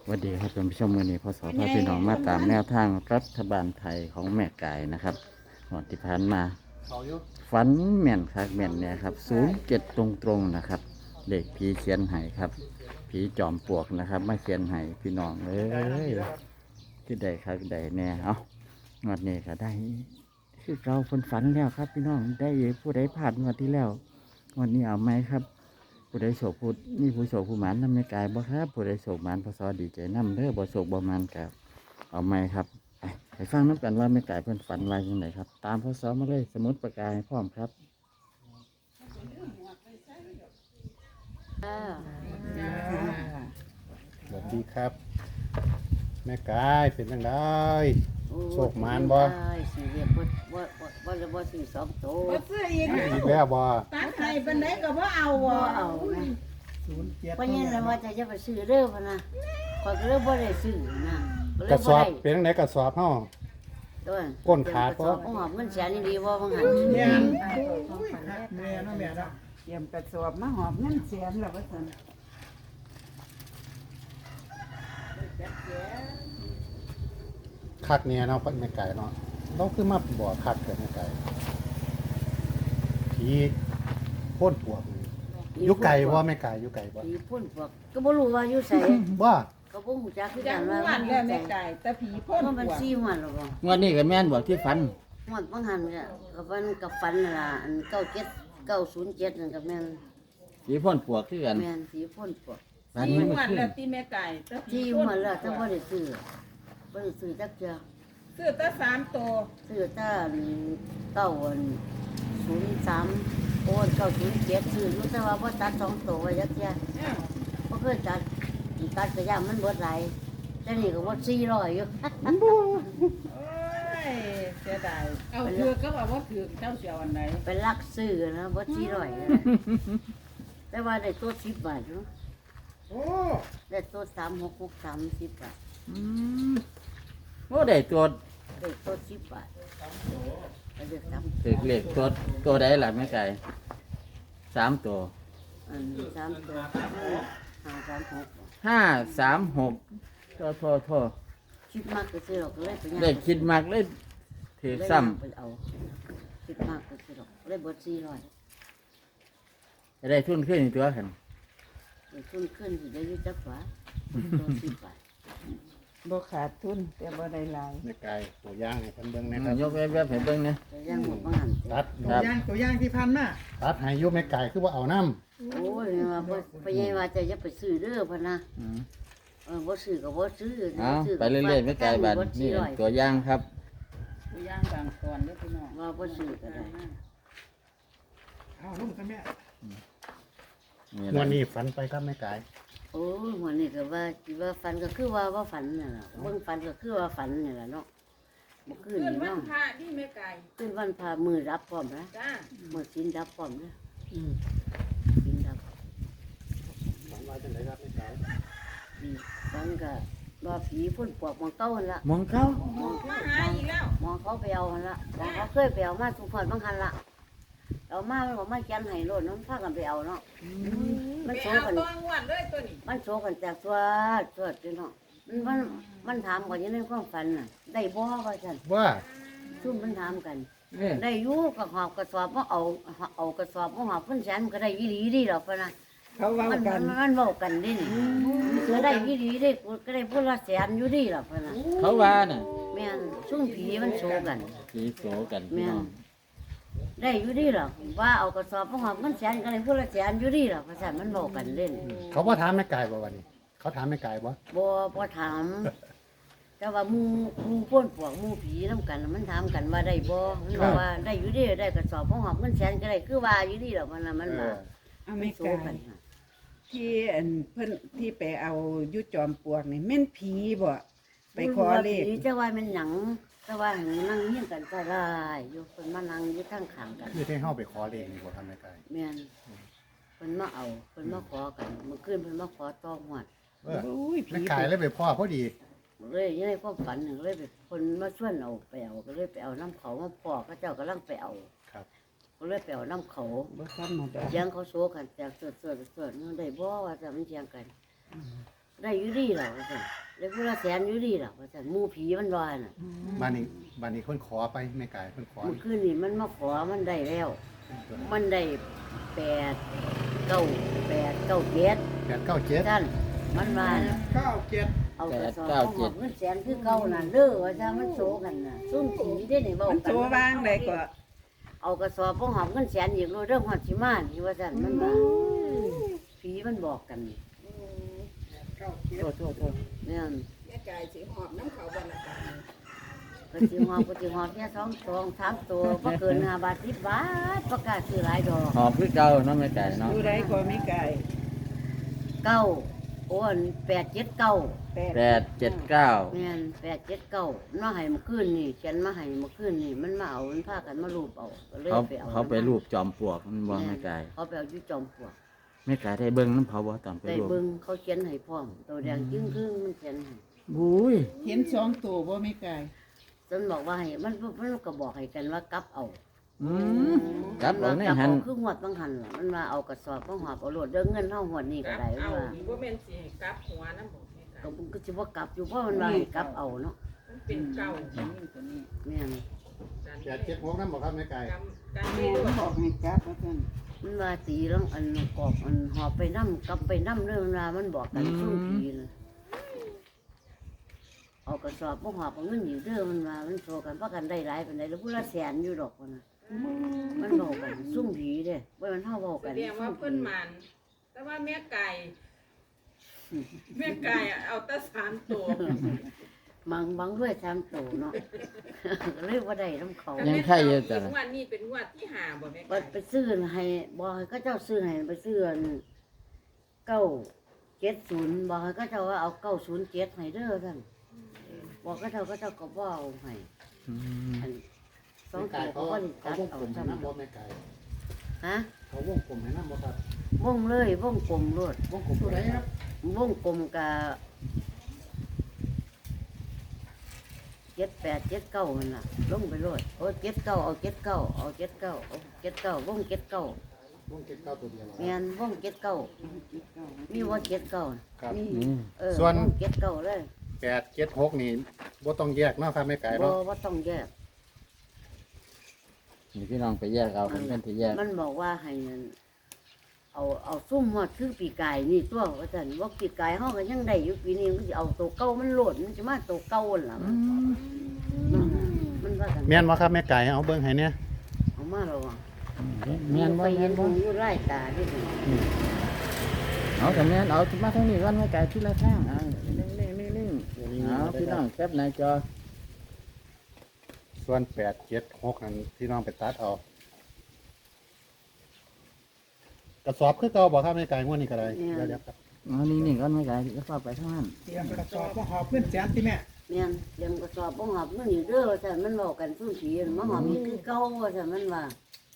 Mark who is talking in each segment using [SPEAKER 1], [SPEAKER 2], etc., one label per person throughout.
[SPEAKER 1] สวัสดีครับท่านผู้ชมวันนี้พศพาพี่น้องมาตามแนวทางรัฐบาลไทยของแม่ไก่นะครับหอดที่ผ่านมาฝันแม่นคักแม่นเนี่ยครับ07ตรงๆนะครับเด็กผีเขียนไห้ครับผีจอมปลวกนะครับมาเขียนไห้พี่น้องที่ใดครับใดแน่เอางวดนี้ก็ได้คือเราคนฝันแล้วครับพี่น้องได้ผู้ใดผ่านงวดที่แล้วงวดนี้เอาไหมครับผู้ใดโศกผู้มีผู้โศกผู้หมานนำไม่กายบ่ครับผู้ใดโศกหมานพศดีใจนำเด้อบ่โศกบ่หมานกับเอาไหมครับไปฟังน้ำกันว่าไม่กายเพิ่นฝันไว้ยังไงครับตามพศมาเลยสมุดประกายพร้อมครับ
[SPEAKER 2] สวัสดีครับ แม่กายเป็นยังไงโชคมานบ่
[SPEAKER 3] สี่เรียกบ่จะบ่สี่สองโต
[SPEAKER 4] บ่ซื้ออีก
[SPEAKER 2] อีกแล้วบ่
[SPEAKER 4] ตัดให้ปานใดก็บ่เอา
[SPEAKER 3] บ่
[SPEAKER 4] บ่
[SPEAKER 3] เอานะเพราะงั้นว่าจะไปซื้อเด้อพะนะข้อยก็เลยบ่ได้ซื้อนะ
[SPEAKER 2] กระ
[SPEAKER 3] ก็เลย
[SPEAKER 2] ส
[SPEAKER 3] บ่
[SPEAKER 2] อบ
[SPEAKER 3] ได้
[SPEAKER 2] เป็นยังไงกระสอบเฮา
[SPEAKER 3] ตัว
[SPEAKER 2] ก้นขาด
[SPEAKER 3] บ่
[SPEAKER 2] บ่
[SPEAKER 3] โอ้โหเงินแสนนี่ดีบ่บางหัน
[SPEAKER 4] แม่น
[SPEAKER 5] แม่เนาะแม่เนาะเตรียมกระสอบมาหอบเงินแสนแล้วว่าซั่น
[SPEAKER 2] คักเนี่ยเนาะแม่กายเนาะเราคือมาบ่คักแต่แม่กายผีโพ่นปวกนี่อยู่ไกลบ่แม่กายอยู่ไกลบ่
[SPEAKER 3] ผีพ่นพวกก็บ่รู้ว่าอยู่ไส
[SPEAKER 2] บ่
[SPEAKER 3] ก็บ่ฮู้จักคือ
[SPEAKER 4] จั
[SPEAKER 3] กั
[SPEAKER 4] ง
[SPEAKER 3] น
[SPEAKER 4] ห
[SPEAKER 3] ว่า
[SPEAKER 4] วัดแล้วแม่ไก่แต่ผีพ่น
[SPEAKER 3] เพราะมัน
[SPEAKER 4] หัว
[SPEAKER 3] 4หวันแล้วบ่
[SPEAKER 1] งวดนี้ก็แม่นบอกที่ฝัน
[SPEAKER 3] หวดบางหันก็มันกับฝันนั่นล่ะอัน97 907นั่นก็แม่น
[SPEAKER 1] ผีพ่นปวกคือกัน
[SPEAKER 3] แม่นผีพ่นพวก
[SPEAKER 1] ฝัน
[SPEAKER 4] ที่
[SPEAKER 1] นี้
[SPEAKER 4] ห
[SPEAKER 1] เมื่อ
[SPEAKER 4] วัด
[SPEAKER 1] คืน
[SPEAKER 4] แล้วที่แม่ไก่แต่ผี
[SPEAKER 3] ที่
[SPEAKER 4] พ่น
[SPEAKER 3] หัวแล้วถ้าบ่ได้ซื้อบ่ได้ซื้อจักเทื่อ
[SPEAKER 4] ซื้อแต่3ตัว
[SPEAKER 3] ซื้อแต่903โอน907ซื้ออยู่แต่ว่าบ่ตัด2ตัวไว้จักเทื่อ
[SPEAKER 4] อ้าว
[SPEAKER 3] บ่เคยตัดอีกตัดก็ย่ามันเบิดหลายแต่นี่ก็บ่400อยู่
[SPEAKER 4] โอ้ยเสียดายเอาถือก็ว่าบ่ถือเจ้าเสียวอันไหน
[SPEAKER 3] ไปลักซื้อนะบ่400นะแต่ว่าได้ตัว10บาทเนาะ
[SPEAKER 4] โอ้
[SPEAKER 3] ได้ตัว3663 10บาท
[SPEAKER 1] โอ้ได้ตัว
[SPEAKER 3] ได้ตัว10บาทไปเลือกซ้
[SPEAKER 1] ถือเลขตัวใดล่ะแม่ไก่3ตัว
[SPEAKER 3] ำอัน3ตัว536
[SPEAKER 1] 536โทษ
[SPEAKER 3] คิดมากก็ซื้อหรอกเลยไปย่าง
[SPEAKER 1] ได้คิดมากเลยถือซ้
[SPEAKER 3] ไปเอาคิดมากก็ซื้อหรอกเลยเบิด400
[SPEAKER 1] ำได้ทุนขึ้นอีกตัวขัน
[SPEAKER 3] ขึ้นขึ้นสิได้อยุ่จักหวาตัว10 บาท
[SPEAKER 5] บ่ขาดทุนแต่บ่ได้หลาย
[SPEAKER 2] แม่กายตัวอย่างให้เพิ่นเบิ่งนะครับ
[SPEAKER 1] ยกแวบๆให้เบิ่งนะ
[SPEAKER 3] แต่ย่างหมดบางหัน
[SPEAKER 2] ตัด
[SPEAKER 1] ครับ
[SPEAKER 5] ตัวอย่างที่พันมา
[SPEAKER 2] ตัดให้อยู่แม่กายคือบ่เอานํ
[SPEAKER 3] โอ้ยว่าบ่ไปยังว่าจะไปซื้อเด้อพะนะ
[SPEAKER 1] อืม
[SPEAKER 3] บ่ซื้อก็บ่ซื้อ
[SPEAKER 1] เอาไปเรื่อยๆแม่ไก่บัดนี่ตัวอย่างครับ
[SPEAKER 4] ตัวอย่างบางก่อนเด้อพี่น้อง
[SPEAKER 3] ว่าบ่ซื้อก็ได้
[SPEAKER 5] เอาลงซะแม่
[SPEAKER 1] นี่
[SPEAKER 2] งว
[SPEAKER 1] ล่ะ
[SPEAKER 2] ดนี้ฝันไปครับแม่กาย
[SPEAKER 3] โอ้ยวันนี้ก็ว่าฝันก็คือว่าฝันนั่นล่ะเบิ่งฝันก็คือว่าฝันนี่ล่ะเนาะบ่คืน
[SPEAKER 4] ขึ้น
[SPEAKER 3] นี่
[SPEAKER 4] วัน
[SPEAKER 3] เนาะ
[SPEAKER 4] พระที่แม่ไก่
[SPEAKER 3] คืนวันพามือรับพร้อมนะ
[SPEAKER 4] จ้า
[SPEAKER 3] มือศีลรับพร้อมนะศีลรับ
[SPEAKER 2] ฝันว่าจังไดครับแม่กาย
[SPEAKER 3] ดีฝันก็ว่าผีพ่นปวกมองเก้าหั่นละ
[SPEAKER 1] มองเขา
[SPEAKER 3] มอง
[SPEAKER 4] มาหาอีกแล้ว
[SPEAKER 3] มองเขาไปเอาหั่นละมองเขาเคยไปเอามาทุกพอดบางหันละเอามามันบอกมาแกนให้โลดน้องพากันไปเอาเนาะมัน
[SPEAKER 4] ไป
[SPEAKER 3] โซ
[SPEAKER 4] เอา
[SPEAKER 3] กัน
[SPEAKER 4] ตัวงวดเลยตัวนี้
[SPEAKER 3] มันโซกันจากตัวอยู่เนาะมันถามก่อนอยังในความฝันน่ะ ได้บ่ว่าซั่น
[SPEAKER 2] ว่า
[SPEAKER 3] ซุ่มมันถามกัน
[SPEAKER 1] เนี่ย
[SPEAKER 3] ได้อยู่ก็หอบกระสอบมาเอากระสอบมาหอบเพิ่นแสนมันก็ได้อีหลีดีดอกพะนะ
[SPEAKER 5] เขาเว้า
[SPEAKER 3] มัน
[SPEAKER 5] กัน
[SPEAKER 3] มันเว้ากันดิมันก็ได้อีหลีได้กูก็ได้พุ่นละแสนอยู่ดีดอกพะนะ
[SPEAKER 1] เขาว่าน่ะ
[SPEAKER 3] แม่นซุ่มผีมันโซกัน
[SPEAKER 1] ผีโสกันพี่
[SPEAKER 3] แม่
[SPEAKER 1] น้
[SPEAKER 3] น
[SPEAKER 1] อง
[SPEAKER 3] ได้อยู่ดีหรอกว่าเอากระสอบมาหอบเงินแสนก็ได้พุ่นละแสนอยู่ดีหรอกภาษามันเว้ากันเล่น
[SPEAKER 2] เขาบ่ถามแม่กายบ่วันนี้ เขาถามแม่กายบ่
[SPEAKER 3] บ่ถาม แต่ว่าหมู่พ่นพวกหมู่ผีนำกันน่ะมันถามกันว่าได้บ่มันบอกว่าได้อยู่ดีได้กระสอบมาหอบเงินแสนก็ได้คือว่าอยู่ดีหรอกมันน่ะมันว่า
[SPEAKER 5] เอา
[SPEAKER 3] มั
[SPEAKER 5] ไม่
[SPEAKER 3] นโซ
[SPEAKER 5] กา
[SPEAKER 3] กัน
[SPEAKER 5] ยที่อันเพิ่นที่ไปเอาอยู่จอมปลวกนี่แม่นผีบ่ไปขอเลข
[SPEAKER 3] ผีจะว่ามันหยังแต่ว่าหงนั่งเฮียงกันก็ได้อยู่เพิ่นมานั่งอยู่ข้างข้างกัน
[SPEAKER 2] คือที่เฮาไปขอเลขนี่บ่ทำแม่กาย
[SPEAKER 3] แม่นเพิ่นมาเอาเพิ่นมาขอกันเมื่อคืนเพิ่นมาขอต่อหวด
[SPEAKER 2] เออ
[SPEAKER 5] โอ้ยผี
[SPEAKER 2] แม่กายเลยไปพ่อพอดี
[SPEAKER 3] เลยยังไงความฝันหนึ่งเลยไปคนมาชวนเอาไปเอาก็เลยไปเอาน้ำเขามาพอเขาเจ้ากำลังไปเอา
[SPEAKER 2] ครับ
[SPEAKER 3] ก็เลยไปเอาน้ำเขา
[SPEAKER 5] บ่ธรรมดา
[SPEAKER 3] เสียงเขาโซกันจากเสือนั่นได้บ่ว่าจะมันเสียงกันได้อยู่ดีล่ะว่าซั่นได้ผู้ละแสนอยู่ดีล่ะว่าซั่นหมู่ผีมันว่าน่ะ
[SPEAKER 2] บ้านนี้คนขอไปแม่กายคนขอ
[SPEAKER 3] เมื่อคืนนี่มันมาขอมันได้แล้ว มันได้8 9 8 9 7
[SPEAKER 2] 897
[SPEAKER 3] ท่านมันว่าน่ะ
[SPEAKER 2] 97
[SPEAKER 3] เอากระสอบของหอบเงินแสนคือเก่าน่ะเด้อว่าซั่นมันโซกันน่ะซุ่มผีได้นี่เว้า
[SPEAKER 5] มัน
[SPEAKER 3] กัน
[SPEAKER 5] โตวางได้ก็
[SPEAKER 3] เอากระสอบของหอบเงินแสนอีกโลเรื่องฮอดสิมานี่ว่าซั่นมันว่าผีมันบอกกันนี่โทษเนี่ย
[SPEAKER 5] แม่กายสิหอบน้ำเขาบ่ละกัน
[SPEAKER 3] ก็สิหอบแค่2 3ตัวบ่เกิน5 บาท10 บาทประกล้าศซื้อหลายดอก
[SPEAKER 1] หอบคือเก่าเนาะแม่ไก่เนาะ
[SPEAKER 5] อยู่ใดก็แม่กาย
[SPEAKER 3] 9โอ้อัน879
[SPEAKER 1] 879
[SPEAKER 3] แม่น879มาให้เมื่อคืนนี่เขียนมาให้เมื่อคืนนี่มันมาเอามันพากันมารูปเอาก็เลยไปเอา
[SPEAKER 1] เขาไปรูปจอมปลวกมันบ่แม่ไก่
[SPEAKER 3] เขาไปเอาอยู่จอมปลวก
[SPEAKER 1] แม่ไก่ได้เบิ่งน้ำเขาบ่ตอนไป
[SPEAKER 3] ได้
[SPEAKER 1] รูป
[SPEAKER 3] เบิ่งเขาเขียนให้พร้อมตัวแดงจึ้งครึ่งมันเขียนให้
[SPEAKER 1] บุ้ย
[SPEAKER 5] เห็น2ตัวบ่แม่กาย
[SPEAKER 3] จนบอกว่าให้มันก็บอกให้กันว่ากลับเอา
[SPEAKER 1] อืมกลับเอาใน
[SPEAKER 3] กลับ
[SPEAKER 1] หัน
[SPEAKER 3] เอาคือหวดบางหันล่ะมันว่าเอากระสอบมาหอบเอาโลดเด้อเงินเฮาหวดนี่ก็ได้มันว่า
[SPEAKER 4] บ่แม่นสิให้กลับหัวน้ำบ่แม่ค่ะ
[SPEAKER 3] ก็มันก็สิบ่กลับอยู่เพราะมันว่าให้กลับเอาเนาะ
[SPEAKER 4] มันเป็นเก่า
[SPEAKER 5] ตัวนี้
[SPEAKER 3] แม่น
[SPEAKER 2] 876นำบ่ครับแม่กาย
[SPEAKER 4] การ
[SPEAKER 5] แม่
[SPEAKER 4] ไม่รู้
[SPEAKER 5] บอกให้กลับว่าซั่น
[SPEAKER 3] มันว่าตีแล้วอันกอกอันหอบไปนำกลับไปนำเรื่องว่ามันบอกกันซุ่มผีน่ะเอากระสอบมาหอบเอาเงินอยู่เด้อมันว่ามันโชกันเพราะกันได้หลายปานใดแล้วผู้ละแสนอยู่ดอกว่าน่ะมันบอกกันซุ่มผีเด้บ่แม่นเฮาเว้า
[SPEAKER 4] แส
[SPEAKER 3] กัน
[SPEAKER 4] ดงว่าเพิ่นมันแต่ว่าแม่ไก่เอาแต่3ตัว
[SPEAKER 3] บางด้วย3โตเนาะ เรียกว่าได้นํเขา
[SPEAKER 1] ยังไข่อยู่จ้ะ
[SPEAKER 4] งวดนี้เป็นงวดที่5บ่แม่
[SPEAKER 3] ไป
[SPEAKER 4] ไก่
[SPEAKER 3] ไปซื้อให้บอกให้เขาเจ้าซื้อให้ไปซื้ออัน970บอกให้เขาเจ้าว่าเอา907ให้เด้อท่านบอกเขาเจ้าก็บ่เอาให้
[SPEAKER 1] อืม
[SPEAKER 3] อันสอง
[SPEAKER 2] แม่
[SPEAKER 3] ตัว
[SPEAKER 2] กาย
[SPEAKER 3] เขา
[SPEAKER 2] เขา
[SPEAKER 3] ก็ได้
[SPEAKER 2] เขา
[SPEAKER 3] จัด
[SPEAKER 2] วงกล
[SPEAKER 3] เอา
[SPEAKER 2] มให้
[SPEAKER 3] จำ
[SPEAKER 2] นำบ่แม่กาย
[SPEAKER 3] ฮะ
[SPEAKER 2] เขาวงกลมให้นำบ่ครับ
[SPEAKER 3] วงเลยวงกลมโลด
[SPEAKER 2] วงกลมตัวใดครับ
[SPEAKER 3] วงกลมกับ7879มันล่ะลงไปโลดโอ้79เอา79เอา79เอา79วง79
[SPEAKER 2] วง79ตัวเดียวเหรอ
[SPEAKER 3] แม่นวง79มีว่า79
[SPEAKER 2] ครับ
[SPEAKER 3] มี
[SPEAKER 1] นี่
[SPEAKER 3] ส่วน79เลย
[SPEAKER 2] 876นี่บ่ต้องแยกเนาะครับแม่กาย
[SPEAKER 3] บ่
[SPEAKER 2] เนาะ
[SPEAKER 3] ว่าต้องแยก
[SPEAKER 1] นี่พี่น้องไปแยกเอาเป็นเพื่อนที่แยก
[SPEAKER 3] มันบอกว่าให้นั่นเอาซุ่มฮอดคือปีกายนี่ตัวว่าซั่นว่าปีกายเฮาก็ยังได้อยู่ปีนี้มันสิเอาตัวเก่ามันโลดมันสิมาตัวเก่าหั่นล่ะมันว่ากัน
[SPEAKER 2] แม่นบ่ครับแม่กายเอาเบิ่งให้เนี่ย
[SPEAKER 3] เอามาแล้วว่ะ
[SPEAKER 1] แม่นบ่
[SPEAKER 3] ไป
[SPEAKER 1] แม่
[SPEAKER 3] เห็น
[SPEAKER 1] นบ่
[SPEAKER 3] อยู่ไร่ตาดิ
[SPEAKER 1] เอาแต่แม่นเอามาทางนี้ก่อนแม่ไก่ที่ละทางเอานิ่งๆเอาพี่น้องแคปหน้าจอ
[SPEAKER 2] ส่วน876นั่นพี่น้องไปตัดเอากระสอบคือเก่าบ่ครับแม่กายงวดนี้ก็ได้เดี๋ยวครับ
[SPEAKER 1] เอานิ่งๆก่อนแม่ไก่จะพาไปทางนั้น
[SPEAKER 6] เตรียมกระสอบมาหอบเพื่อนแสนที่แม่
[SPEAKER 3] แม่นเตรียมกระสอบบ่หอบเงินอยู่เด้อว่าซั่นมันบอกกันซุ่มผีมาหอบอีกคือเก่าว่าซั่นมันว่า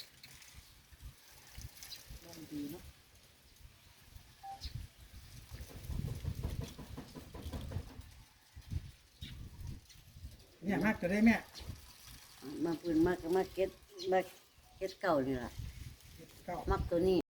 [SPEAKER 6] เนี่ยมากจะได้แม่
[SPEAKER 3] มาปืนมาเก็ตเก่านี่ล่ะ
[SPEAKER 6] เก้า
[SPEAKER 3] มักตัวนี้